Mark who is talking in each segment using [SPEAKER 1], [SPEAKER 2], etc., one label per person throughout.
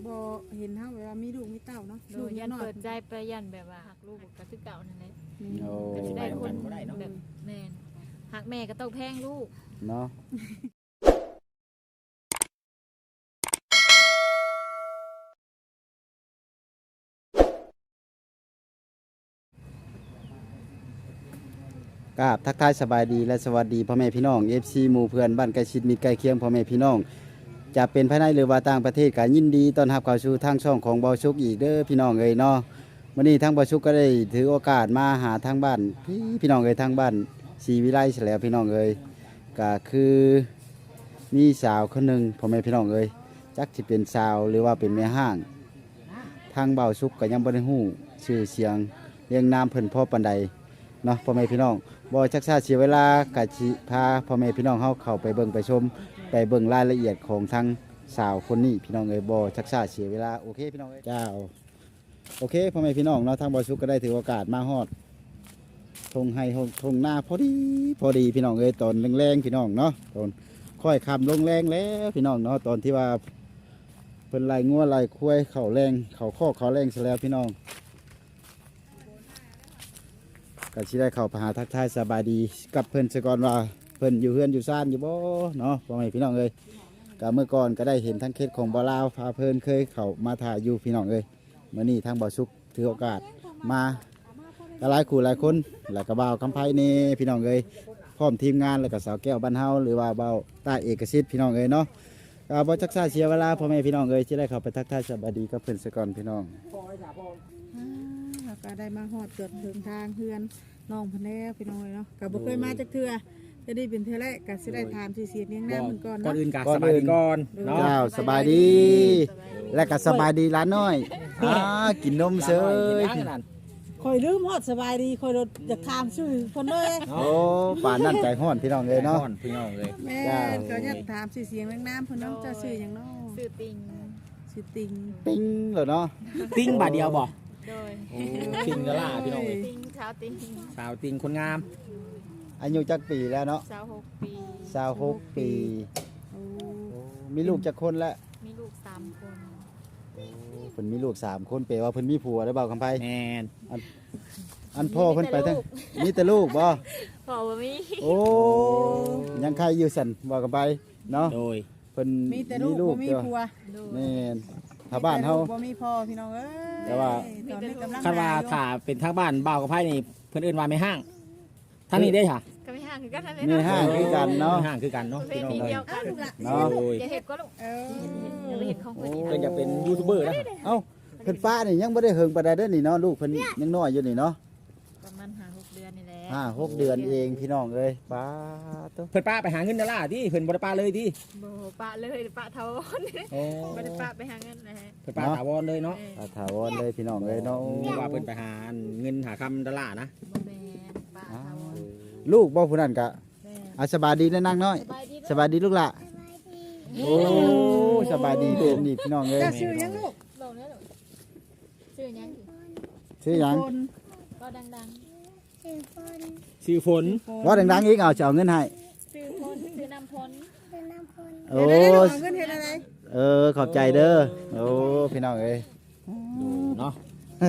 [SPEAKER 1] บ่เห็นเฮาแบบว่ามีลูกมีเต้าเนาะ
[SPEAKER 2] ลูกยันเปิดใจไปยันแบบว่าหักลูกก็คือเก่านั่นแหละ
[SPEAKER 3] โอ้
[SPEAKER 2] ก็สิได้คนแบบแม่นหักแม่ก็ต้องแพงลูก
[SPEAKER 3] เนาะกราบทักทายสบายดีและสวัสดีพ่อแม่พี่น้อง FC หมู่เพื่อนบ้านใกล้ชิดมิตรใกล้เคียงพ่อแม่พี่น้องจะเป็นภายในหรือว่าต่างประเทศก็ยินดีต้อนรับเข้าสู่ทางช่องของเบาชุกอีกเด้อพี่น้องเอ้ยเนาะวันนี้ทางเบาชุกก็ได้ถือโอกาสมาหาทางบ้านพี่น้องเอ้ยทางบ้านศรีวิไลเสยแล้วพี่น้องเอ้ยก็คือมีสาวคนหนึ่งพ่อแม่พี่น้องเอ้ยจักสิเป็นสาวหรือว่าเป็นแม่ห้างทางเบาชุกก็ยังบ่ได้ฮู้ชื่อเสียงเรียงนามเพิ่นพ่อปานใดเนาะพ่อแม่พี่น้องบ่ชักช้าเสียเวลากะสิพาพ่อแม่พี่น้องเฮาเข้าไปเบิ่งไปชมไปเบิ่งรายละเอียดของทางสาวคนนี้พี่น้องเอ้ยบ่ชักช้าเสียเวลาโอเคพี่น้องเอ้ยเจ้าโอเคพ่อแม่พี่น้องเนาะทางบ่ชุกก็ได้ถือโอกาสมาฮอดทงให้ทงหน้าพอดีพี่น้องเอ้ยตอนแรงๆพี่น้องเนาะตอนค่อยค่ำลงแรงแล้วพี่น้องเนาะตอนที่ว่าเพิ่นไล่งัวไล่ควายเข้าแรงเข้าคอกเข้าแรงซะแล้วพี่น้องก็สิได้เข้าไปหาทักทายสบายดีกับเพิ่นซะก่อนว่าเพิ่นอยู่เฮือนอยู่ซ่านอยู่บ่เนาะพ่อแม่พี่น้องเอ้ยก็เมื่อก่อนก็ได้เห็นทั้งเคสของบ่าวลาวพาเพิ่นเคยเข้ามาถ่ายอยู่พี่น้องเอ้ยมื้อนี้ทางบ่าวสุกถือโอกาสมาก็หลายคู่หลายคนแล้วก็บ่าวคำไผนี่พี่น้องเอ้ยพร้อมทีมงานแล้วก็สาวแก้วบ้านเฮาหรือว่าบ่าวต้าเอกสิทธิ์พี่น้องเอ้ยเนาะก็บ่จักษาเสียเวลาพ่อแม่พี่น้องเอ้ยสิได้เข้าไปทักทายสบายดีกับเพิ่นซะก่อนพี่น้อง
[SPEAKER 1] แล้วก็ได้มาฮอดเกิดถึงทางเฮือนน้องเพิ่นแล้วพี่น้องเนาะก็บ่เคยมาจักเทื่อจะได้เป็นเทื่อแรกก็สิได้ถามชื่อเสียงเลี้ยงน้ำเพิ่นก่อน
[SPEAKER 4] ก่อน
[SPEAKER 1] เนาะ
[SPEAKER 4] อื่นกะสบายดีก่อนเนาะ
[SPEAKER 3] เจ้าสบายดี และก็สบายดีร้านน้อยกินนมเซย
[SPEAKER 1] ข่อยลืมฮอดสบายดีข่อยรถอยากถามชื่อเพิ่นเลย
[SPEAKER 3] โอ้ป่านนั่นใจห้อนพี่น้องเลยเนาะ
[SPEAKER 4] พี่น้องเลย
[SPEAKER 1] แม่ก็อยากถามชื่อเสียงเลี้ยงน้ำเพิ่นเนาะเจ้าชื่อหยังเนาะ
[SPEAKER 2] ซื้อติง
[SPEAKER 1] ชื่อติง
[SPEAKER 3] ปิ้งเหรอเนาะ
[SPEAKER 4] ติ้งบาทเดียวบ่
[SPEAKER 2] โดย
[SPEAKER 4] ติ้งกะล่าพี่น้องเลย
[SPEAKER 2] ติงเช้าติง
[SPEAKER 4] สาวติ้งคนงาม
[SPEAKER 3] อายุจักปีแล้วเนาะ
[SPEAKER 2] 26 ปี
[SPEAKER 3] 26ปี
[SPEAKER 1] โอ้
[SPEAKER 3] มีลูกจักคนแล้ว
[SPEAKER 2] มีลูก3 คน
[SPEAKER 3] เพิ่นมีลูก3คนแปลว่าเพิ่นมีผัวได้เปล่าคำไผ
[SPEAKER 4] แมน
[SPEAKER 3] อันพ่อเพิ่นไปทั้งมีแต่ลูกบ่
[SPEAKER 2] พ่อบ่มี
[SPEAKER 3] โอ้ยังใครอยู่สั่นว่ากันไปเนาะ
[SPEAKER 4] โดย
[SPEAKER 3] เพิ่น
[SPEAKER 1] มีแต่ลูกบ่มี
[SPEAKER 3] เดียว
[SPEAKER 1] ผัว
[SPEAKER 2] โดย
[SPEAKER 3] แม่นถ้าบ้านเฮา
[SPEAKER 1] บ่มีพ่อพี่น้องเอ้ย
[SPEAKER 3] แต่ว่า
[SPEAKER 1] ตอนนี้กำลัง
[SPEAKER 4] คาดว่าถ้าเป็นทางบ้านบ่าวกับไพ่นี่เพิ่นเอิ้นว่าไม่ห้างทางนี้ได้ค่ะ
[SPEAKER 2] ก็ไม่ห่างคือกันนั่นแหละ
[SPEAKER 3] มีห้างคือกันเนาะ
[SPEAKER 4] ไม่ห้างคือกันเนาะ
[SPEAKER 2] ประเพ
[SPEAKER 4] พี่น้อง
[SPEAKER 2] ณี
[SPEAKER 4] เลย
[SPEAKER 2] เดียวกัน
[SPEAKER 3] เนาะ
[SPEAKER 4] โดย
[SPEAKER 2] อย่าเห็ดก็ลูก
[SPEAKER 1] เออ
[SPEAKER 2] อย่าไปเห็ดของคนอื่น
[SPEAKER 4] เพิ่นจะเป็นยูทูบเบอร์นะ
[SPEAKER 3] เอ้าเพิ่นป้านี่ยังบ่ได้เฮิงปานใดเด้อนี่เนาะลูกเพิ่นยังน้อยอยู่นี่เนาะ
[SPEAKER 2] ประมาณ5-6 เดือนนี่แหละ
[SPEAKER 3] 5-6 เดือนเองพี่น้องเอ้ยป้าตัว
[SPEAKER 4] เพิ่นป้าไปหาเงินดอลลาร์ที่เพิ่นบ่ได้ป้าเลยที่
[SPEAKER 2] บ่ปะเลยปะเท่าวัน
[SPEAKER 4] โอ้
[SPEAKER 2] บ่ได้ปะไปหาเงินนะฮะ
[SPEAKER 4] เพิ่นป้าถาวรเลยเนาะ
[SPEAKER 3] ป้าถาวรเลยพี่น้องเอ้ยเนาะ
[SPEAKER 4] ว่าเพิ่นไปหาเงินหาคำดอลลาร์นะ
[SPEAKER 2] บ่แม่นปะเท่าวัน
[SPEAKER 3] ลูกบ่ผู้นั้นก็
[SPEAKER 2] แม่น
[SPEAKER 3] อาสบายดีนะนางน้อย
[SPEAKER 2] สบายดี
[SPEAKER 3] สบายดีลูกล่ะโอ้สบายดีเด้อนี่พี่น้องเอ้ย
[SPEAKER 1] เจ้าชื่อหยังลูก
[SPEAKER 2] ลงแล้วลูกชื่อหยัง
[SPEAKER 3] ชื่อหยัง
[SPEAKER 1] คน
[SPEAKER 2] ก็ดัง
[SPEAKER 4] ชื่อฝน
[SPEAKER 3] ว่าดังๆอีกเอาจะเอาเงินให้
[SPEAKER 2] ๆชื่อพลชื่อนำพล
[SPEAKER 3] โอ้
[SPEAKER 1] เดี๋ยวได้เอาเงินเฮ็ดอะไร
[SPEAKER 3] ขอบใจเด้อโอ้พี่น้องเอ้ย
[SPEAKER 4] เนาะ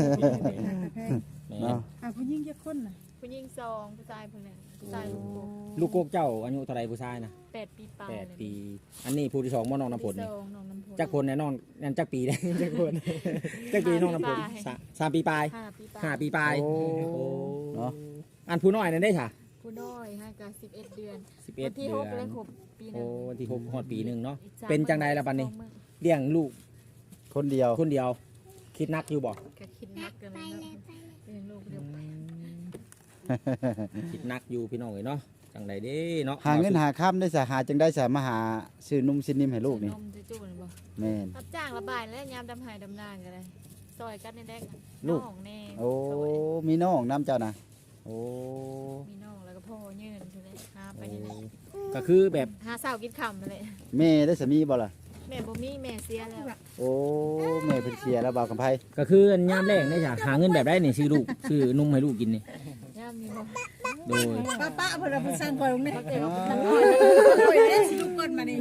[SPEAKER 3] เนาะ
[SPEAKER 1] ผู้หญิงจักคนน่ะ
[SPEAKER 2] ผู้หญิง2ผู้ชายผู้หนึงผู้ชายลูก
[SPEAKER 4] ลูกโกกเจ้าอายุเท่าไรผู้ชายนะ
[SPEAKER 2] 8 ปีปลาย
[SPEAKER 4] 8 ปี อันนี้ผู้ที่2บ่น้องน้ำผล
[SPEAKER 2] นี่
[SPEAKER 4] นี่
[SPEAKER 2] น้องน้ำพล
[SPEAKER 4] จักคนแน่นอนนั่นจักปีได้ จักคนจักปีน้องน้ำผลสามปีปลาย
[SPEAKER 2] 5 ปีปลาย
[SPEAKER 4] 5 ปีปลาย
[SPEAKER 3] โอ้เนาะ
[SPEAKER 4] อันผู้น้อยนั่นได้ค่ะ
[SPEAKER 2] ผู้น้อยฮะก็11 เดือน
[SPEAKER 4] 11
[SPEAKER 2] วันที่
[SPEAKER 4] เดือ
[SPEAKER 2] 6เลย
[SPEAKER 4] น
[SPEAKER 2] ครบปีหนึ
[SPEAKER 4] โอ้
[SPEAKER 2] ง
[SPEAKER 4] วันที่6ฮอดปีหนึงเนาะ
[SPEAKER 2] อีก3
[SPEAKER 4] เป็นจังใดล่ะบัดนี้ เลี้ยงลูก
[SPEAKER 3] คนเดียว
[SPEAKER 4] คนเดียว คิดนักอยู่บ่
[SPEAKER 2] ก็คิดนักกันเลยเนาะเป็นลูกเดียวไป
[SPEAKER 4] คิดนักอยู่พี่น้องเอ้ยเนาะจังใดเด้เนาะ
[SPEAKER 3] หาเงินหาค่ำได้สะหาจังได้สะมาหาซื้อนุ่มซินนิ่มให้ลูกนี่
[SPEAKER 2] นมจะจุ่นบ่
[SPEAKER 3] แม่น
[SPEAKER 2] รับจ้างระบายและยามดำหายดำนานกันเลยซอยกันในแดก
[SPEAKER 3] ลูก
[SPEAKER 2] น้องแน่
[SPEAKER 3] โอ้มีน้องน้ำเจ้านะโอ้
[SPEAKER 2] มีน้องแล้วก็พ่อยืนใช่ไหมหาไปนี่แหละ
[SPEAKER 4] ก็คือแบบ
[SPEAKER 2] หาเศร้ากินคำนั่นแหละ
[SPEAKER 3] แม่ได้สามีบ่ล่ะ
[SPEAKER 2] แม่บ่มีแม่เสียแล้ว
[SPEAKER 3] โอ้แม่เพิ่นเสียแล้วบ่าวกำไพ
[SPEAKER 4] ก็คือยามแรกได้จ้ะหาเงินแบบได้นี่ซื้อลูกซื้อนุ่มให้ลูกกินนี่
[SPEAKER 2] ยามมีบ่
[SPEAKER 4] โดย
[SPEAKER 1] ป้าเพิ่นเอาไปสั่งก่อนลงนี่
[SPEAKER 2] เขาเจอกับท่าน
[SPEAKER 1] โอ้ยได้สิลูกก่อนมานี่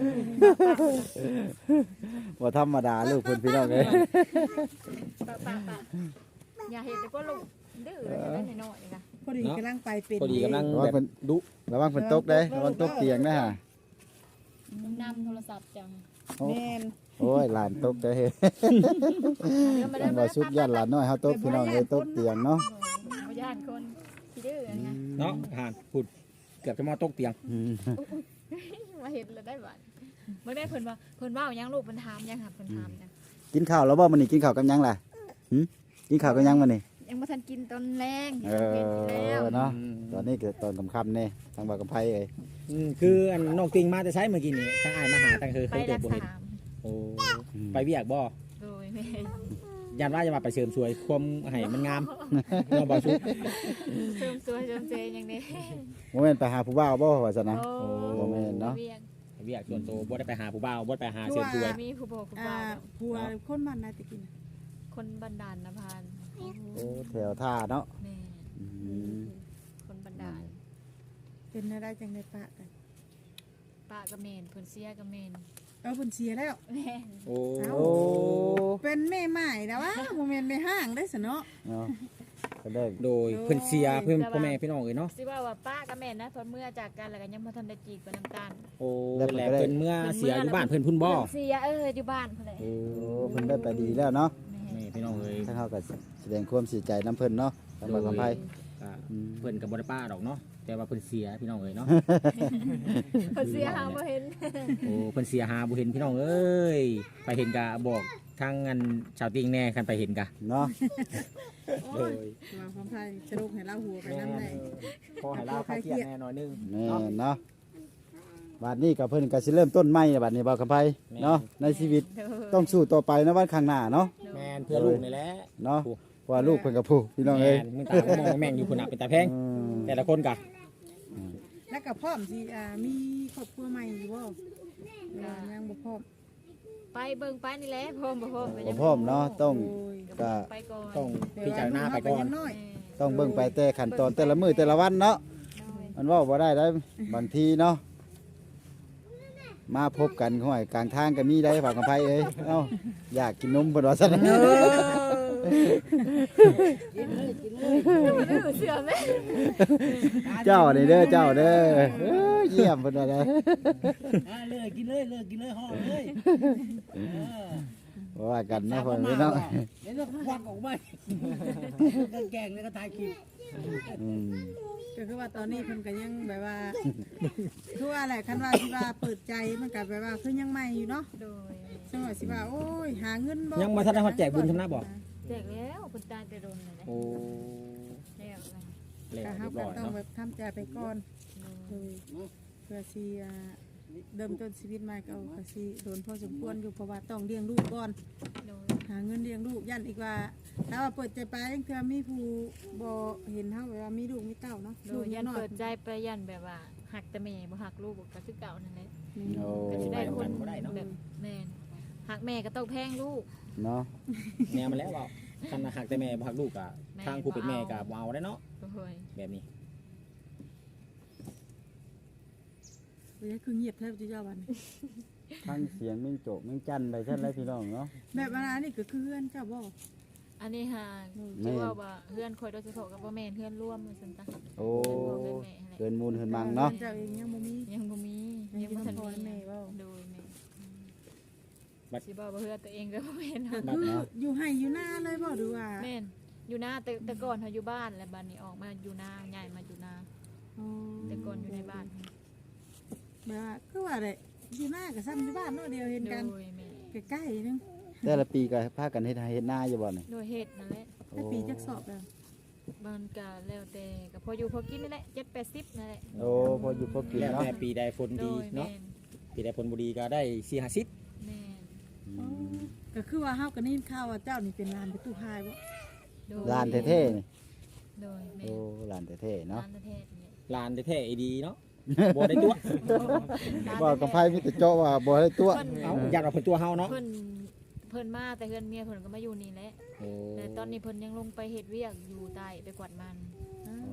[SPEAKER 3] บ่ธรรมดาลูกเพิ่นพี่น้องเอ้ย
[SPEAKER 2] ป้าอย่าเห็นแต่ก็ลูกดื้อเลยจะได้น้อยๆนี่ค่ะ
[SPEAKER 1] พอดีกำลังไปเป็น
[SPEAKER 4] พอดีกำลัง
[SPEAKER 3] ระวัง
[SPEAKER 4] แบบ
[SPEAKER 3] เพิ่น
[SPEAKER 4] ดุ
[SPEAKER 3] ระวังเพิ่นตกเด้ระวังตกเตียงนะฮะ
[SPEAKER 2] นำโทรศัพท์จัง
[SPEAKER 1] แม่น
[SPEAKER 3] โอ้ยหลานตกเด้อเฮ้ย
[SPEAKER 2] เดี๋ยวมา
[SPEAKER 3] มั
[SPEAKER 2] ได้
[SPEAKER 3] น
[SPEAKER 2] มา
[SPEAKER 3] บ่สุดยอดหลานน้อยเฮาตกพี่น้องเอ้ยตกเตียงเนาะ
[SPEAKER 2] บ่ย่านคนที่ดื้อนะ
[SPEAKER 4] เนาะห่านพูดเกือบจะมาตกเตียง
[SPEAKER 3] อืม
[SPEAKER 2] มาเห็นแล้วได้บ้านเมื่อได้เพิ่นว่ายังลูกเพิ่นถามยังค่ะเพิ่นถามยัง
[SPEAKER 3] กินข้าวแล้วบ่มื้อนี้กินข้าวกับหยังล่ะหึกินข้าวกับหยังมื้อนี้
[SPEAKER 2] ยังบ่ทันกินตอนแรง
[SPEAKER 3] เอ
[SPEAKER 2] กินแล้ว
[SPEAKER 3] อเนาะตอนนี้คือตอนค่ำๆนี่ทางบ่าวกับไผเอ้ย
[SPEAKER 4] คืออันน้องติงมาจะใช้เมื่อกี้นี่ตั้งอายมาหาตั้งเคย
[SPEAKER 2] ไป
[SPEAKER 4] เกิ
[SPEAKER 2] รั
[SPEAKER 4] ด
[SPEAKER 2] ก
[SPEAKER 4] บ่เห็น
[SPEAKER 2] ษา
[SPEAKER 4] โอ้ไปเวียกบ่
[SPEAKER 2] โดยแม่
[SPEAKER 4] ยันว่าจะมาไปเสริมสวยความให้มันงามเนาะบ่ชุบ
[SPEAKER 2] เสริมสวยเสริมเจยังนี้
[SPEAKER 3] บ่แม่นไปหาผู้บ่าวบ่ว่าซั่นนะ
[SPEAKER 2] โอ้
[SPEAKER 3] บ่แม่นเนาะ
[SPEAKER 2] เวียง
[SPEAKER 4] เวียกส่วนตัวบ่ได้ไปหาผู้บ่าวบ่ได้ไปหาเสริมสวย
[SPEAKER 2] มีผู้บอกผู้
[SPEAKER 1] อ่า
[SPEAKER 2] บ่าว
[SPEAKER 1] ผัวคนมันน่ะตะกี้น่ะ
[SPEAKER 2] คนบันดาลนภาน
[SPEAKER 3] โอ้แถวท่าเนาะ
[SPEAKER 2] แม่
[SPEAKER 3] อืม
[SPEAKER 2] คนบันดาล
[SPEAKER 1] เป็นได้จังได้ปะกัน
[SPEAKER 2] ป้ากับเมนเพิ่นเสียกับเมน
[SPEAKER 1] เอาเพิ่นเสียแล้ว
[SPEAKER 2] แม่
[SPEAKER 4] โอ้
[SPEAKER 3] โอ้
[SPEAKER 1] เป็นแม่ใหม่นะวะบ่แม่นแม่ห้างได้ซะเนาะ
[SPEAKER 3] เนาะก็ได้
[SPEAKER 4] โดยเพิ่นเสียเพิ่นพ่อแม่พี่น้องเอ้ยเนาะ
[SPEAKER 2] สิว่าป้ากับเมนนะเพิ่นเมื่อจากกันแล้วก็ยังบ่ทันได้จีบกับน้ำตาล
[SPEAKER 4] โอ้แล้วเพิ่นเมื่อเสียอยู่บ้านเพิ่นพุ่นบ่
[SPEAKER 2] เพิ่นเสียอยู่บ้านเพิ่นแหละ
[SPEAKER 3] โอ้เพิ่นได้ไปดีแล้วเนาะ
[SPEAKER 2] แม่
[SPEAKER 4] นี่พี่น้องเอ้ย
[SPEAKER 3] ทางเฮาก็แสดงความเสียใจนํเพิ่นเนาะทางบ่าวกับไผ
[SPEAKER 4] ก็เพิ่นก็บ่ได้ป้าดอกเนาะแต่ว่าเพิ่นเสียพี่น้องเอ้ยเนาะ
[SPEAKER 2] เพิ่นเสียหาบ่เห็น
[SPEAKER 4] โอ้เพิ่นเสียหาบ่เห็นพี่น้องเอ้ยไปเห็นกะบอกทางอันชาวติงแน่คันไปเห็นกะ
[SPEAKER 3] เนาะ
[SPEAKER 1] โอ้ยว่าความไทยสรุปให้เราหัวไปนำได้
[SPEAKER 4] พอให้เราคลายเครียดแน่หน่อยนึง
[SPEAKER 3] แม่นเนาะบัดนี้ก็เพิ่นก็สิเริ่มต้นใหม่แล้วบัดนี้บ่าวกับไผเนาะในชีวิตต้องสู้ต่อไปนะวันข้างหน้าเนาะ
[SPEAKER 4] แม่นเพื่อลูกนี่แหละ
[SPEAKER 3] เนาะเพราะว่าลูกเพิ่นก็ผู้พี่น้องเอ้ย
[SPEAKER 4] แม่นมึงตาก็มองแม่งอยู่พุ่นน่ะเป็นตาแพง
[SPEAKER 3] อืม
[SPEAKER 4] แต่ละคนกะ
[SPEAKER 1] แล้วก็พร้อมสิมีครอบครัวใหม่อยู่บ่ยังบ่พร้อม
[SPEAKER 2] ไปเบิ่งไปนี่แหละพร้อมบ่พร้อมก็
[SPEAKER 3] บ่
[SPEAKER 2] ยัง
[SPEAKER 3] พร้อมเนาะต้อง
[SPEAKER 1] โอ้ย
[SPEAKER 3] ก็
[SPEAKER 2] ไปก่อน
[SPEAKER 4] ต้องพิจารณาไปก่อน
[SPEAKER 1] แต่ว่าลูกเรายังน้อย
[SPEAKER 2] แม่
[SPEAKER 3] ต้องเบิ่งไปแต่ขั้นตอนแต่ละมื้อแต่ละวันเนาะ มันเว่าบ่ได้ได้บางทีเนาะมาพบกันห้อยกลางทางก็มีได้ฝากกับไผเอ้ยเอ้าอยากกินนมเพิ่นว่าซั่น
[SPEAKER 2] ดื้อเสือแม่
[SPEAKER 3] เจ้านี่เด้อเจ้าเด้อเอ้ยเยี่ยมเพิ่นว่าเด้อ
[SPEAKER 5] เลยกินเลยกินเลยห่อเลย
[SPEAKER 3] ว่ากันเนาะพ่อแม่เนาะ
[SPEAKER 5] เดี๋ยวเราควักออกมาแกงแล้วก็ทายกิน
[SPEAKER 3] อืม
[SPEAKER 1] ก็คือว่าตอนนี้เพิ่นก็ยังแบบว่าคือว่าแหละคันว่าสิว่าเปิดใจมันก็แบบว่าคือยังใหม่อยู่เนาะ
[SPEAKER 2] โดย
[SPEAKER 1] จังหวะสิว่าโอ้ยหาเงินบ่
[SPEAKER 4] ยังมาทันได้ฮอดแจกบุญทำหน้าบ่
[SPEAKER 2] แจกแล้วคุณตาจะโดนเลยนะ
[SPEAKER 4] โอ้
[SPEAKER 2] แล้วนะ
[SPEAKER 4] แล้ว
[SPEAKER 1] ก็
[SPEAKER 4] เรี
[SPEAKER 1] เฮาย
[SPEAKER 4] บ
[SPEAKER 1] ก็
[SPEAKER 4] ร้อย
[SPEAKER 1] ต้อง
[SPEAKER 4] เนาะ
[SPEAKER 1] แบบทำใจไปก่อนโดยเพื่อสิเริ่มต้นชีวิตใหม่ก็ก็สิโดนพอสมควรอยู่เพราะว่าต้องเลี้ยงลูกก่อน
[SPEAKER 2] โดย
[SPEAKER 1] หาเงินเลี้ยงลูกยันอีกว่าถ้าว่าเปิดใจไปยังเทื่อมีผู้บ่เห็นเฮาแบบว่ามีลูกมีเต้าเนาะ
[SPEAKER 2] โด
[SPEAKER 1] ลูก
[SPEAKER 2] ยยั
[SPEAKER 1] ยั
[SPEAKER 2] น
[SPEAKER 1] งน้อย
[SPEAKER 2] เปิดใจไปยันแบบว่าหักแต่แม่บ่หักลูกก็คือเก่านั่นแหละ
[SPEAKER 3] โอ้
[SPEAKER 2] ก็สิได้คนแบบแม่นหักแม่ก็ต้องแพงลูก
[SPEAKER 3] เนาะ
[SPEAKER 4] แนวมันแล้วเปล่าคันหักแต่แม่บ่หักลูกกะทางผู้เป็นแม่กะบ่เอาได้เนาะ
[SPEAKER 2] โอ้ย
[SPEAKER 4] แบบนี้
[SPEAKER 1] เว้ยคือเงียบแทบจะยาวันนี้
[SPEAKER 3] ทั้งเสียงมิ่งโจกมิ่งจันไปซั่นเลยพี่น้องเนาะ
[SPEAKER 1] แบบว่านี่ก็คือเพื่อนเจ้าบ่
[SPEAKER 2] อันนี้หาที่ว่าเพื่อนคอยโดยเฉพาะกับพ่อแม่เพื่อนร่วมซั่นจ้ะ
[SPEAKER 3] โอ้
[SPEAKER 2] เพื่อนพ่อเพื่อนแม่นั่นแหละ
[SPEAKER 3] เกินมูลเกินมังเนาะ
[SPEAKER 1] เจ้าเองยังบ่มี
[SPEAKER 2] ยังบ่มียังบ่ทัน
[SPEAKER 1] พ่อแม่
[SPEAKER 2] มี
[SPEAKER 1] เว้า
[SPEAKER 2] โดยแม่สิบอกว่าเพื่อนตัวเองก็บ่แม่น
[SPEAKER 1] ก็คืออยู่ให้อยู่หน้าเลยบ่หรือว่า
[SPEAKER 2] แม่นอยู่นาแต่ก่อนเขาอยู่บ้านแล้วบัดนี้ออกมาอยู่นาใหญ่มาอยู่นา
[SPEAKER 1] อ๋อ
[SPEAKER 2] แต่ก่อนอยู่ในบ้าน
[SPEAKER 1] แบบว่าคือว่าได้อยู่หน้ากับซ้ำอยู่บ้านเนาะเดียวเห็นกัน
[SPEAKER 2] โดยแม่
[SPEAKER 1] ใกล้ๆนึง
[SPEAKER 3] แต่ละปีก็พากันเฮ็ดไร่เฮ็ดนาอยู่บ่นี่
[SPEAKER 2] โดยเฮ็ดนั่นแหละ
[SPEAKER 1] แต่ปีจักสอบแล้ว
[SPEAKER 2] บ้านก็แล้วแต่ก็พออยู่พอกินนี่แหละ7-80นั่นแหละ
[SPEAKER 3] โอ้พออยู่พอกิน
[SPEAKER 4] แล้ว
[SPEAKER 3] เนาะ
[SPEAKER 4] แต่ปีใดฝน
[SPEAKER 2] โด
[SPEAKER 4] ดี
[SPEAKER 2] ยแม่
[SPEAKER 4] เนาะ
[SPEAKER 2] น
[SPEAKER 4] ปีใดฝนบ่ดีก็ได้4-50
[SPEAKER 2] แม่น
[SPEAKER 3] อืม
[SPEAKER 1] ก็คือว่าเฮาก็ได้ยินข่าวว่าเจ้านี่เป็นลานประตูพายบ่
[SPEAKER 2] โดย
[SPEAKER 3] ลานแท้ๆนี่
[SPEAKER 2] โดยแม่
[SPEAKER 3] โอ้ลานแท้ๆเนาะ
[SPEAKER 2] ร้านประเทศนี่
[SPEAKER 4] ลานแท้ๆดีเนาะบ่ได้ตัว
[SPEAKER 3] บอกกับไผมีแต่เจาะว่าบ่ได้ตัว
[SPEAKER 4] เอ้าอยากเอาเพิ่นตัวเฮาเนาะ
[SPEAKER 2] เพิ่นมาแต่เฮือนเมียเพิ่นก็มาอยู่นี่แหละ
[SPEAKER 4] โอ้
[SPEAKER 2] แต่ตอนนี้เพิ่นยังลงไปเฮ็ดเวียกอยู่ใต้ไปกวาดมัน
[SPEAKER 1] อ้าว
[SPEAKER 3] โอ้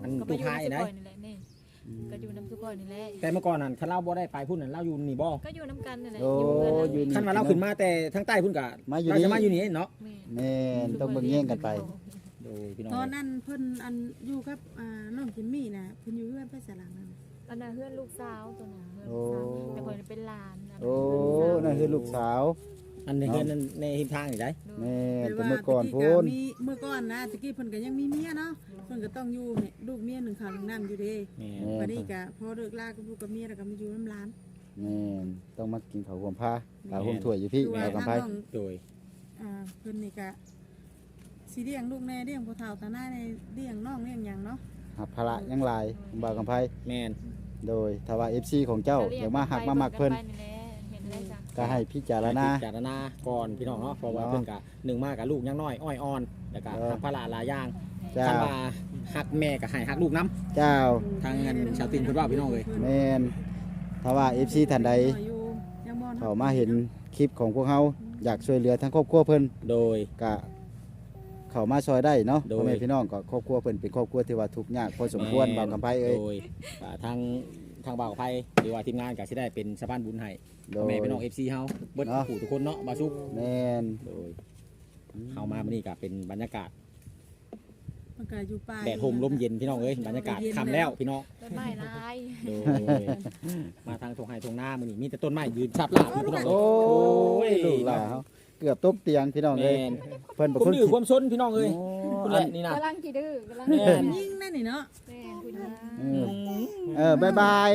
[SPEAKER 4] อัน
[SPEAKER 2] ก็ไป
[SPEAKER 4] ตู้
[SPEAKER 2] อยู่
[SPEAKER 4] พาย
[SPEAKER 2] น้ำซุป
[SPEAKER 4] ได้
[SPEAKER 2] ก่อนนี่แหละนี่ก็อยู่น้ำซุปก่อนนี่แหละ
[SPEAKER 4] แต่เมื่อก่อนนั่นคันเราบ่ได้ไปพุ่นนั่นเราอยู่นี่บ่
[SPEAKER 2] ก็อยู่น้ำกันนี่แหละ
[SPEAKER 3] โอ้
[SPEAKER 2] อยู่เพื่อน
[SPEAKER 3] อยู่นี่
[SPEAKER 4] คันว่าเราขึ้นมาแต่ทางใต้พุ่นก็
[SPEAKER 3] มาอยู่
[SPEAKER 4] เรา
[SPEAKER 3] นี่
[SPEAKER 4] จะมาอยู่นี่เนาะ
[SPEAKER 2] แม่
[SPEAKER 3] แม่นต้องเบิ่งแย่งกันไป
[SPEAKER 4] โดยพี่น้อง
[SPEAKER 1] ตอนนั้นเพิ่นอันอยู่กับน้องจิมมี่น่ะเพิ่นอยู่เพื่อนไปสลังนั่น
[SPEAKER 2] อันนั้นเพื่อนลูกสาวตัวนั้นเพื่อน
[SPEAKER 3] โอ้
[SPEAKER 2] ลูกสาวแต่คนเป็นหลานนนั้น
[SPEAKER 3] โอ้
[SPEAKER 2] เป็นลูกสาว
[SPEAKER 3] นั่นคือลูกสาว
[SPEAKER 4] อันนี้คือนั่นในหิมทางนี่ได้
[SPEAKER 3] แม่น
[SPEAKER 1] แต่
[SPEAKER 3] แต่
[SPEAKER 1] ว่า
[SPEAKER 3] เมื่อก่อน
[SPEAKER 1] ตะ
[SPEAKER 3] พูน
[SPEAKER 1] มีเมื่อก่อนนะตะกี้เพิ่นก็ยังมีเมียเนาะเพิ่นก็ต้องอยู่เนี่ยลูกเมียหนึ่งข้าวหนึ่งน้ำอยู่เด้
[SPEAKER 4] แม่
[SPEAKER 3] แม่
[SPEAKER 1] บัดนี้ก็พอเลิกลากับลูกกับเมียแล้วก็มาอยู่น้ำร้าน
[SPEAKER 3] แม่นต้องมากินข้าวห่วมผ้าข้าวห่วมถ้วยอยู่พี่
[SPEAKER 1] คือว่า
[SPEAKER 3] เอากำไพ
[SPEAKER 1] ทางน้อง
[SPEAKER 4] โดย
[SPEAKER 1] เพิ่นนี่ก็สิเลี้ยงลูกแน่เลี้ยงพ่อเฒ่าตาหน้าในเลี้ยงน้องเลี้ยงหยังเนาะ
[SPEAKER 3] หับภาระยังหลายบ่าวกำไพ
[SPEAKER 4] แม่น
[SPEAKER 3] โดยถ้าว่า FC ของเจ้าอยากมาหักมามักเพิ่น
[SPEAKER 2] เห็นได้จ้ะ
[SPEAKER 3] ก็ให้พิจารณา
[SPEAKER 4] พิจารณาก่อนพี่น้องเนาะเพราะว่า
[SPEAKER 3] เนาะ
[SPEAKER 4] เพิ่นก็หนึ่งมากับลูกยังน้อยอ้อยอ่อนแล้วก็
[SPEAKER 3] เออ
[SPEAKER 4] ทำภาระหลายอย่าง
[SPEAKER 3] เจ้า
[SPEAKER 4] คันว่าหักแม่ก็ให้หักลูกน้
[SPEAKER 3] เจ้า
[SPEAKER 4] ทางเงินชาวตินเพิ่นว่าพี่น้องเอ้ย
[SPEAKER 3] แม่นถ้าว่า FC ท่านใด
[SPEAKER 1] อยู่ยังบ่
[SPEAKER 3] เขามาเห็นคลิปของพวกเฮาอยากช่วยเหลือทั้งครอบครัวเพิ่น
[SPEAKER 4] โดย
[SPEAKER 3] ก็เข้ามาซอยได้เนาะ
[SPEAKER 4] โดย
[SPEAKER 3] พ่อแม่พี่น้องก็ครอบครัวเพิ่นเป็นครอบครัวที่ว่าทุกข์ยากพอสมควรบ่าวกำไพเอ้ย
[SPEAKER 4] โดยทางบ่าวกับไผหรือว่าทีมงานก็สิได้เป็นสะพานบุญให้
[SPEAKER 3] โด
[SPEAKER 4] พ่อย แม่พี่น้อง FC เฮาเบิด
[SPEAKER 3] เนาะ
[SPEAKER 4] ผู้ทุกคนเนาะบ่าวซุก
[SPEAKER 3] แม่น
[SPEAKER 4] โดยเฮามามื้อนี้ก็เป็นบรรยากาศ
[SPEAKER 1] มันก็อยู่ป่า
[SPEAKER 4] แดดโฮมลมเย็นพี่น้องเอ้ยบรรยากาศค่ำแล้วพี่น้อง
[SPEAKER 2] ต้นไม้ลาย
[SPEAKER 4] โดยมาทางทงไห้ทงหน้ามื้อนี้มีแต่ต้นไม้ยืนชับลาบอยู่พี่น้อง
[SPEAKER 3] โอ้
[SPEAKER 4] เอ้
[SPEAKER 3] ยลูกหลานเฮาเกือบตกเตียงพี่น้อง
[SPEAKER 4] แม่
[SPEAKER 3] เอ้ย
[SPEAKER 4] น
[SPEAKER 3] เพิ่นเป็น
[SPEAKER 4] ผม
[SPEAKER 3] คน
[SPEAKER 4] ดื้อความซนพี่น้องเอ้ย
[SPEAKER 3] โอ้
[SPEAKER 4] คุณ
[SPEAKER 3] อั
[SPEAKER 4] แห
[SPEAKER 3] น
[SPEAKER 4] ละนี่นะ
[SPEAKER 2] กำลังกี่ดื้อกำลัง
[SPEAKER 4] แม่น
[SPEAKER 1] ยิ่งนั่นนี่เนาะ
[SPEAKER 2] แม่คุณนะ
[SPEAKER 3] บ๊ายบาย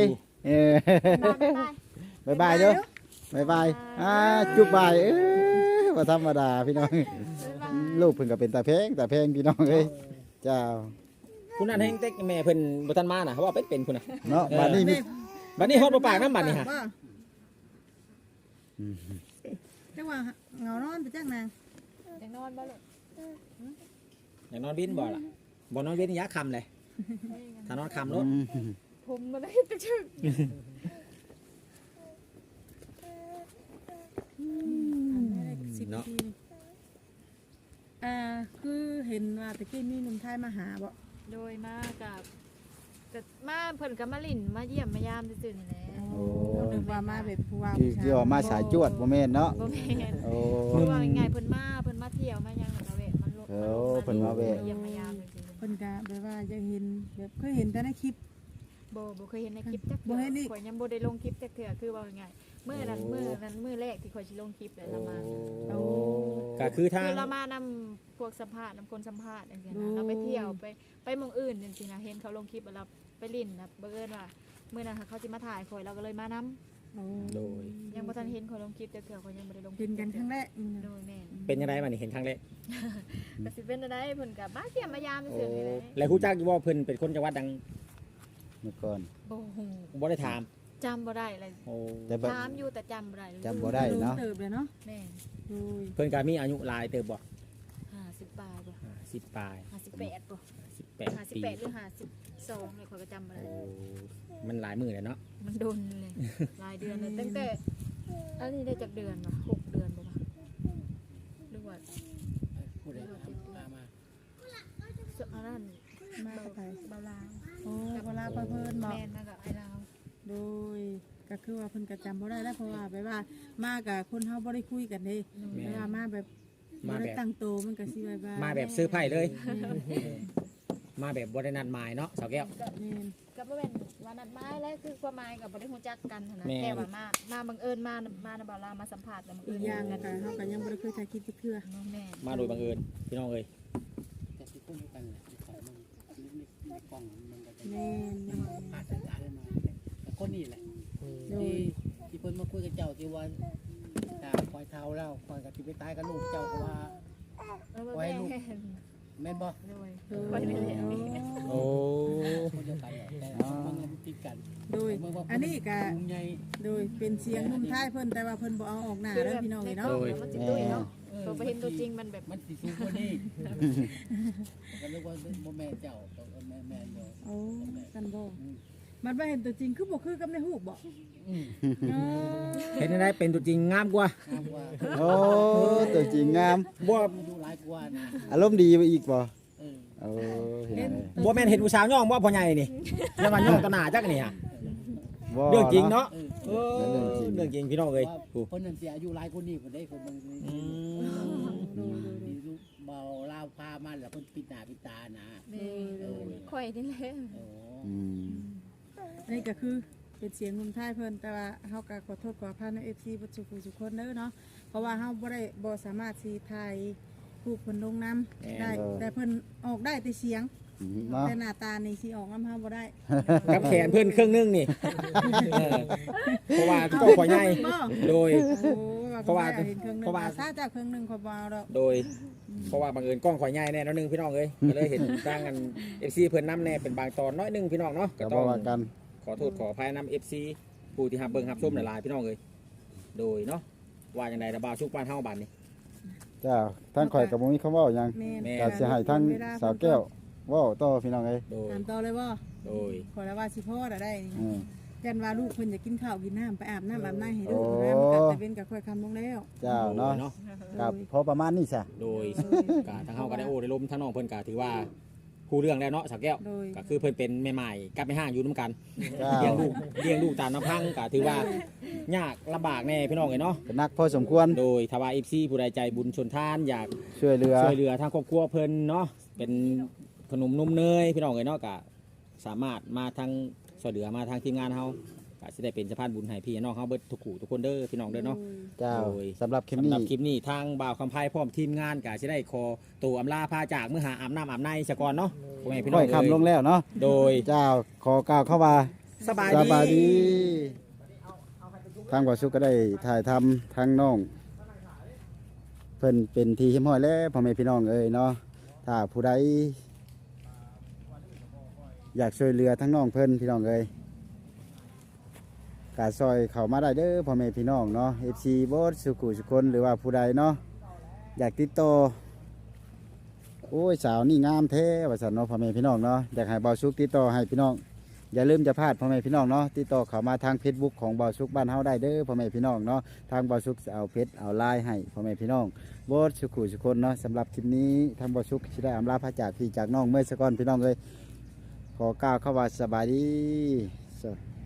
[SPEAKER 3] บ๊ายบายเด้อบ๊ายบายจุบบายบ่ธรรมดาพี่น้องลูกเพิ่นก็เป็นตาแพงพี่น้องเอ้ยเจ้า
[SPEAKER 4] คุณนั่นแห้งเต็กแม่เพิ่นบ่ทันมาน่ะเขาว่าเป็นคุณน่ะ
[SPEAKER 3] เนาะบัดนี้มี
[SPEAKER 4] บัดนี้ฮอดบ่ปากน้ำบัดนี้ฮะ
[SPEAKER 1] จังว่าเหงานอนไปจังนาง
[SPEAKER 2] ยังนอนบ้าเลย
[SPEAKER 4] อยากนอนวินบ่ล่ะบ่นอนวินยะค่ำเลยถ้านอนค่ำรถ
[SPEAKER 2] ผมมาได้จะชึก
[SPEAKER 1] 10 นาทีนี่คือเห็นว่าตะกี้มีหนุ่มไทยมาหาบ่
[SPEAKER 2] โดยมากับแต่มาเพิ่นกับมาลิ่นมาเยี่ยมมายามซื่อๆนี่แหละ
[SPEAKER 3] โอ้
[SPEAKER 1] นึกว่ามาแบบผู้ว่า
[SPEAKER 3] คือว่ามาสายจวดบ่แม่นเนาะ
[SPEAKER 2] บ่แม่น
[SPEAKER 3] โอ้
[SPEAKER 2] คือว่าไงเพิ่นมาเที่ยวมายังมาแวะมันลด
[SPEAKER 3] เออเพิ่นมาแวะ
[SPEAKER 2] เยี่ยมมายามซื่อ
[SPEAKER 1] เพิ่นก็แบบว่าจะเห็นแบบเคยเห็นแต่ในคลิป
[SPEAKER 2] ๆบ่เคยเห็นในคลิปจัก
[SPEAKER 1] บ่เห็นอีก
[SPEAKER 2] ข่อยยังบ่ได้ลงคลิปจักเทื่อคือว่าไงมื้อนั้นมื้อแรกที่ข่อยสิลงคลิปแล้วเรามา
[SPEAKER 1] โอ้
[SPEAKER 4] ก็คือทา
[SPEAKER 2] คื
[SPEAKER 4] ง
[SPEAKER 2] อเรามานำพวกสัมภาษณ์นำคนสัมภาษณ์จังซี่นะเราไปเที่ยวไปหม่องอื่นจังซี่นะเห็นเขาลงคลิปแล้วเราไปลิ่นนะบังเอิญว่ามื้อนั้นเขาสิมาถ่ายข่อยเราก็เลยมานำ
[SPEAKER 1] โอ้
[SPEAKER 4] โดย
[SPEAKER 2] ยังบ่ทันเห็นข่อยลงคลิปจักเทื่อข่อยยังบ่ได้ลงคลิ
[SPEAKER 1] เห็
[SPEAKER 2] ป
[SPEAKER 1] นกันครั้งแรกนี่นะ
[SPEAKER 2] โดยแม่น
[SPEAKER 4] เป็นยังไงบัดนี้เห็นครั้งแรก
[SPEAKER 2] ก็สิเป็นได้เพิ่นก็มาเยี่ยมมายาม
[SPEAKER 4] โอ้
[SPEAKER 2] ซื่อๆนี่แหละ
[SPEAKER 4] แล้วฮู้จักอยู่ว่าเพิ่นเป็นคนจังหวัดดัง
[SPEAKER 3] เมื่อก่อน
[SPEAKER 2] บ่ฮู้
[SPEAKER 4] บ่ได้ถาม
[SPEAKER 2] จำบ่ได้เลย
[SPEAKER 4] โอ้
[SPEAKER 3] แต่แบบ
[SPEAKER 2] ถามอยู่แต่จำบ่ได้เลย
[SPEAKER 3] จำบ่ได้เนาะ
[SPEAKER 1] เติบเลยเนาะ
[SPEAKER 2] แม่น
[SPEAKER 1] โอ้ย
[SPEAKER 4] เพิ่นก็มีอายุหลายเติบบ่
[SPEAKER 2] 50ปลายบ่
[SPEAKER 4] 10ปลาย
[SPEAKER 2] 58บ่
[SPEAKER 4] 18ปี
[SPEAKER 2] 58หรือ52เลยข่อยก็จำบ่ได้
[SPEAKER 4] โอ้มันหลายมื้อเลยเนาะ
[SPEAKER 2] มันโดนเลยหลายเดือนเลยตั้งแต่อันนี้ได้จากเดือนวะ6 เดือนบ่วะหรือว่า
[SPEAKER 5] ผู้ใดมามา
[SPEAKER 2] อันนั้น
[SPEAKER 1] มากับไป
[SPEAKER 2] เบาลาว
[SPEAKER 1] โอ้เวลาไปเพิ่นบอก
[SPEAKER 2] แม่นมากับไอ้ลาว
[SPEAKER 1] โดยก็คือว่าเพิ่นก็จำบ่ได้แล้วเพราะว่าแบบว่ามากับคนเฮาบ่ได้คุยกันเด้เวลามาแบบบ่ได้ตั้งโตวมันก็สิแบบว่า
[SPEAKER 4] มาแบบซื้อไผ่เลย มาแบบบ่ได้นัดหมายเนาะสาวแก้ว
[SPEAKER 1] แม่น
[SPEAKER 2] ก็บ่แม่นว่านัดหมายแล้วคือความหมายก็บ่ได้รู้จักกันหั้นนะ
[SPEAKER 4] แม่น
[SPEAKER 2] แค่ว่ามาบังเอิญมานะเบาลาวมาสัมภาษณ์แล้วบัง
[SPEAKER 1] อี
[SPEAKER 2] เอิ
[SPEAKER 1] ก
[SPEAKER 2] ญ
[SPEAKER 1] อย่าง
[SPEAKER 2] กั
[SPEAKER 1] ก็
[SPEAKER 2] น
[SPEAKER 1] เฮาก็ยังบ่ได้เคยถ่ายคลิปจักเทื่อ
[SPEAKER 2] แม่
[SPEAKER 4] มาโดยบังเอิญพี่น้องเอ้ย
[SPEAKER 5] แต่ที่คุ้มกันแหละที่เขาในกล่องมันก็จะ
[SPEAKER 1] แม่น
[SPEAKER 5] อาจจะได้มาแต่คนนี้แหละ
[SPEAKER 1] โดย
[SPEAKER 5] ที่เพิ่นมาคุยกับเจ้าที่ว่าคอยเท้าแล้วคอยกับที่ไปตายกับลูกเจ้าก็ว่า ไว้ลูก แม่นบ่
[SPEAKER 2] โดย
[SPEAKER 1] โดย
[SPEAKER 2] บ่ได้เลย
[SPEAKER 4] โอ้
[SPEAKER 5] คนเดียวกันแต่มันติดกัน
[SPEAKER 1] โดยอันนี้ก็
[SPEAKER 5] ลุงใหญ่
[SPEAKER 1] โดยเป็นเสียงหนุ่มไทยเพิ่นแต่ว่าเพิ่นบ่เอาออกหน้าเด้อพี่น้องเอ้ยเนาะ
[SPEAKER 2] มันสิตุ้ยเนาะตัวไปเห็นตัวจริงมันแบบ
[SPEAKER 5] มันสิสูงกว่านี้ก็นึกว่าบ่แม่เจ้าก็แม่เดียว
[SPEAKER 1] โอ้กันบ่มันบ่เห็นตัวจริงคือบ่คือกับในรูปบ่
[SPEAKER 5] อืม
[SPEAKER 1] เออ
[SPEAKER 4] เห็นได้เป็นตัวจริงงามกว่า
[SPEAKER 5] งามกว่า
[SPEAKER 3] โอ้ตัวจริงงาม
[SPEAKER 4] บ่
[SPEAKER 5] ดูหลายกว่านะ
[SPEAKER 3] อารมณ์ดีไปอีกบ่
[SPEAKER 5] เออ
[SPEAKER 3] โอ้พี่น้องเอ้ย
[SPEAKER 4] บ่แม่นเห็นผู้สาวย่องบ่พ่อใหญ่นี่อย่ามาย่องต่อหน้าจักนี่ฮะ
[SPEAKER 3] บ่
[SPEAKER 4] เรื่องจริงเนาะ
[SPEAKER 5] เออ
[SPEAKER 4] เออเรื่องจริงพี่น้องเอ้ย
[SPEAKER 5] ว่า
[SPEAKER 4] ผู้
[SPEAKER 5] คนนั้นเสียอายุหลายคนนี่คนได้คนบางที
[SPEAKER 4] อืม
[SPEAKER 5] มีลูกเบาลาวพามันแล้วคนปิดหน้าปิดตานะ
[SPEAKER 2] แม่ข่อยนี่แหละ
[SPEAKER 5] โอ้
[SPEAKER 3] อืม
[SPEAKER 1] นี่ก็คือเป็นเสียงลุงท้ายเพิ่นแต่ว่าเฮาก็ขอโทษขออภัยใน FC บ่ทุกผู้ทุกคนเด้อเนาะเพราะว่าเฮาบ่สามารถสิถ่ายรูปเพิ่นลงนํได้แต่เพิ่นออกได้แต่เสียง
[SPEAKER 3] เนาะ
[SPEAKER 1] แต่หน้าตานี่สิออกนำเฮาบ่ได้
[SPEAKER 4] กับแขนเพิ่นครึ่งหนึงนี่เออเพราะว่าก็พ่อใหญ่โดย
[SPEAKER 1] โอ้
[SPEAKER 4] เพราะว่า
[SPEAKER 1] เห็นเครื่องนึง
[SPEAKER 4] เพราะว่า
[SPEAKER 1] ซาจากเครื่องนึงขอยบ่เอาดอก
[SPEAKER 4] โดย เพราะว่าบังเอิญกล้องข่อยใหญ่แน่น้อยหนึงพี่น้องเอ้ยก็เลยเห็นตั้งกัน FC เพิ่นนำแน่เป็นบางตอนน้อยหนึงพี่น้องเนาะก็
[SPEAKER 3] ก็
[SPEAKER 4] ต้
[SPEAKER 3] บ่
[SPEAKER 4] อง
[SPEAKER 3] ว่ากัน
[SPEAKER 4] ขอโทษขออภัยนำ FC ผู้ที่รับเบิ่งรับชมหลายๆพี่น้องเอ้ยโดยเนาะว่าจังไดระบาวชุกบ้านเฮาบัดนี้
[SPEAKER 3] จ้าทั้งข่อยกับบ่มีคำเว้าหยัง
[SPEAKER 1] แม่น
[SPEAKER 4] แม่
[SPEAKER 3] ก็สิให้ทั้งสาวแก้วเว้าต่อพี่น้องเอ้ย
[SPEAKER 4] โดย
[SPEAKER 1] ถามต่อเลยบ่
[SPEAKER 4] โดย
[SPEAKER 1] ขอแล้วว่าสิพ่อได้นี่
[SPEAKER 3] อืม
[SPEAKER 1] ยันว่าลูกเพิ่นอยากกินข้าวกินน้ำไปอาบน้ำอาบน้ำให้ลูก
[SPEAKER 3] โอ้
[SPEAKER 1] นะมันก็แต่เป็นกับค่อยคำลงแล้ว
[SPEAKER 3] เจ้าเนาะ
[SPEAKER 4] เนาะ
[SPEAKER 3] กับพอประมาณนี้ซะ
[SPEAKER 4] โดยกาทางเฮาก็ได้โอ้ได้ล้มทั้งน้องเพิ่นก็ถือว่าผู้เรื่องแล้วเนาะสักแก้ว
[SPEAKER 1] โดย
[SPEAKER 4] ก็คือเพิ่นเป็นแม่ใหม่กับแม่ห้างอยู่นํกัน
[SPEAKER 3] เจ้า
[SPEAKER 4] เลี้ยงลูกตามลำพังก็ถือว่ายากลำบากแน่พี่น้องเอ้ยเนาะ
[SPEAKER 3] เป็นนักพอสมควร
[SPEAKER 4] โดยทว่า FC ผู้ใดใจบุญชนทานอยาก
[SPEAKER 3] ช่วยเหลือ
[SPEAKER 4] ช่วยเหลือทางครอบครัวเพิ่นเนาะเป็นขนมนมเนยพี่น้องเอ้ยเนาะก็สามารถมาทางช่วยเหลือมาทางทีมงานเฮาก็สิได้เป็นสะพานบุญให้พี่น้องเฮาเบิดทุกคู่ทุกคนเด้อพี่น้องเด้อเนาะ
[SPEAKER 3] เจ้า
[SPEAKER 4] โดย
[SPEAKER 3] สำหรับคลิป
[SPEAKER 4] สำ
[SPEAKER 3] นี้
[SPEAKER 4] หรับคลิปนี้ทางบ่าวคำไพ่พร้อมทีมงานก็สิได้ขอตัวอำลาพาจากเมื่อหาอาบน้ำอาบในซะก่อนเนาะพ่อแม่พี่น้
[SPEAKER 3] ค่
[SPEAKER 4] อ
[SPEAKER 3] อง ย
[SPEAKER 4] เอ้
[SPEAKER 3] คำลง
[SPEAKER 4] ย
[SPEAKER 3] แล้วเนาะ
[SPEAKER 4] โดย
[SPEAKER 3] เจ้าขอกล่าวเข้ามา
[SPEAKER 4] สบาย
[SPEAKER 3] ส
[SPEAKER 4] ดี
[SPEAKER 3] บายดีทางบ่สุขก็ได้ถ่ายทำทางน้องเพิ่นเป็นทีเฮียมห้อยแล้วพ่อแม่พี่น้องเอ้ยเนาะถ้าผู้ใดอยากช่วยเหลือทั้งน้องเพิ่นพี่น้องเอ้ยกาซอยเข้ามาได้เด้อพ่อแม่พี่น้องเนาะ FC บดสุขุสุคนหรือว่าผู้ใดเนาะอยากติดต่อโอ้ยสาวนี่งามแท้ว่าซั่นเนาะพ่อแม่พี่น้องเนาะอยากให้เบาสุกติดต่อให้พี่น้องอย่าลืมจะพลาดพ่อแม่พี่น้องเนาะติดต่อเข้ามาทาง Facebook ของเบาสุกบ้านเฮาได้เด้อพ่อแม่พี่น้องเนาะทางเบาสุกจะเอาเพจเอาไลน์ให้พ่อแม่พี่น้องบดสุขุสุคนเนาะสำหรับคลิปนี้ทางเบาสุกสิได้อำลาพระจากพี่จากน้องเมื่อสักก่อนพี่น้องเอ้ยขอกล่าวเข้าว่าสบายดี